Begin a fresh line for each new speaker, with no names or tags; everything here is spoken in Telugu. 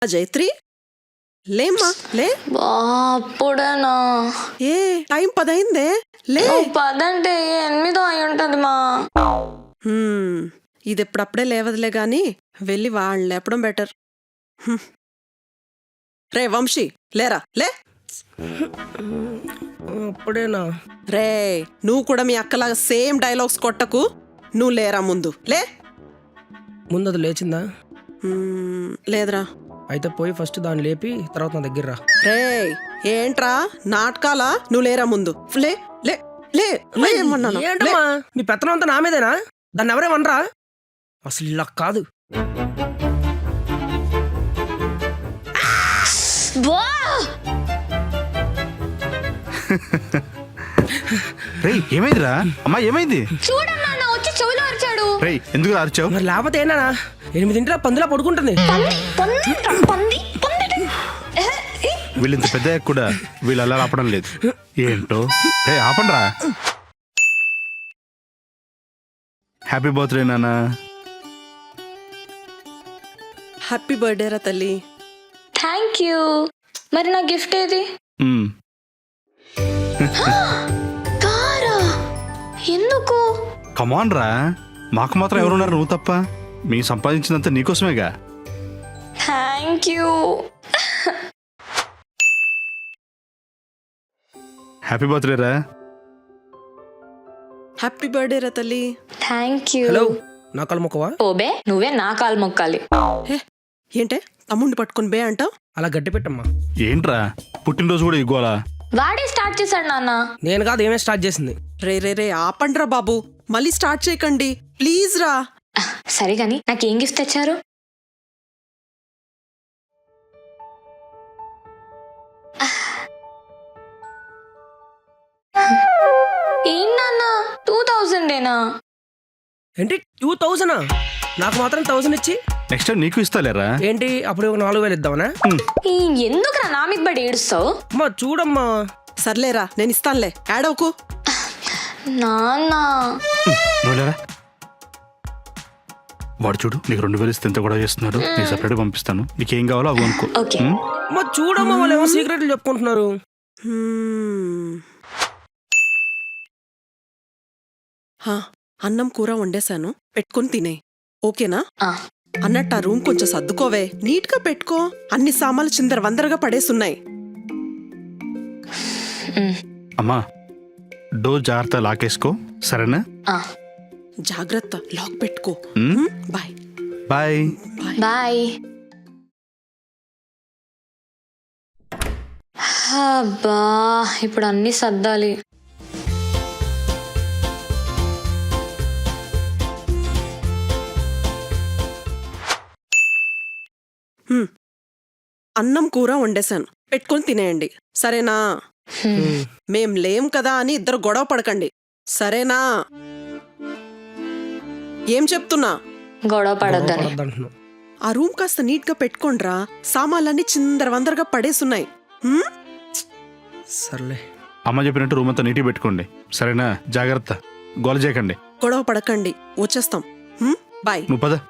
జైత్రి లేమ్మా లే.
అప్పుడేనా?
ఏ టైం 10 అయిందే, లే.
10 అంటే 8 అయి ఉంటది మా.
ఇది ఎప్పుడప్పుడే లేవదులే గాని వెళ్ళి వాళ్ళు లేపడం బెటర్. రే వంశీ లేరా, లే.
అప్పుడేనా?
రే నువ్వు కూడా మీ అక్కలాగా సేమ్ డైలాగ్స్ కొట్టకు. నువ్వు లేరా ముందు, లే.
ముందు అది లేచిందా?
లేదురా.
అయితే పోయి ఫస్ట్ దాన్ని లేపి తర్వాత నా దగ్గర రా.
రే ఏంట్రా నాటకాలా? నువ్వు లేరా ముందు, లే లే లే లే. ఏమన్నాను?
ఏంటమ్మా మీ పెత్తనం అంతా నా మీదేనా? దాన్ని ఎవరేమనరా? అసలు ఇలా కాదు.
ఏమైందిరా అమ్మా, ఏమైంది?
చూడన్నా వచ్చి చెవిలో అరిచాడు.
ఎందుకు అరిచావు?
మరి లేకపోతే ఏనా 8 పందులా పడుకుంటుంది.
వీళ్ళింత పెద్ద కూడా వీళ్ళు అలా ఆపడం లేదు ఏంటో. ఆపండ్రా. హ్యాపీ బర్త్డే నాన్న.
హ్యాపీ బర్త్డే రా తల్లి.
Thank you. మరి నా గిఫ్ట్ ఏది? కారా? ఎందుకు?
కమాన్ రా, మాకు మాత్రం ఎవరున్నారు నువ్వు తప్ప. మీ సంపాదించినంత నీకోసమేగా.
Thank you.
హ్యాపీ బర్త్డే రా.
హ్యాపీ బర్త్డే రా తల్లి.
Thank you.
హలో, నా కాలు మొక్కవా?
ఓబే నువ్వే నా కాలు మొక్కాలి.
ఏంటే తమ్ముడిని పట్టుకుని బే అంటావు?
అలా గట్టి పెట్టమ్మా.
ఏంట్రా పుట్టినరోజు కూడా ఇగోలా?
వాడే స్టార్ట్ చేశాడు నాన్న.
నేను కాదు, ఏమే స్టార్ట్ చేసింది.
రే రే రే ఆపండ్రా బాబు, మళ్ళీ స్టార్ట్ చేయకండి ప్లీజ్ రా.
సరే గాని నాకేం గిఫ్ట్ తెచ్చారు? ఏంటన్నా 2000ఏనా?
ఏంటి 2000? నాకు మాత్రం 1000 ఇచ్చి
నెక్స్ట్ టైం నీకు ఇస్తాలేరా?
ఏంటి అప్పుడు 4000 ఇద్దామనా?
ఎందుకురా నా మీద పడి ఏడుస్తావు?
అమ్మా చూడమ్మా.
సర్లేరా నేను ఇస్తానులే, యాడవకు.
నాన్న
వాడు చూడు, నీకు 2000 ఇస్తే ఎంత కూడా చేస్తున్నాడు. నీకు సపరేట్ పంపిస్తాను, నీకేం కావాలో అవి అనుకో.
అమ్మా చూడమ్మా, వాళ్ళు ఏమో సీక్రెట్లు చెప్పుకుంటున్నారు.
అన్నం కూర వండేశాను, పెట్టుకొని తినే. ఓకేనా? అన్నట్టు ఆ రూమ్ కొంచెం సర్దుకోవే, నీట్ గా పెట్టుకో. అన్ని సామాన్లు చిందర వందరగా పడేసున్నాయి.
అమ్మా డోర్ జాగ్రత్త లాకేసుకో, సరేనా?
జాగ్రత్త, లాక్ పెట్టుకో. Bye
bye
bye. అబ్బా ఇప్పుడు అన్ని సర్దాలి.
అన్నం కూర వండేశాను, పెట్టుకొని తినేయండి, సరేనా? మేం లేం కదా అని ఇద్దరు గొడవ పడకండి, సరేనా? ఏం చెప్తున్నా?
గొడవ పడొద్దని.
ఆ రూమ్ కాస్త నీట్ గా పెట్టుకోండ్రా, సామాన్లన్నీ చిందర వందరగా పడేసున్నాయి.
సర్లే,
అమ్మ చెప్పినట్టు రూమ్ అంతా నీట్గా పెట్టుకోండి, సరేనా? జాగ్రత్త, గోల చేయకండి.
గొడవ పడకండి, వచ్చేస్తాం. బాయ్.
నువ్వు పద.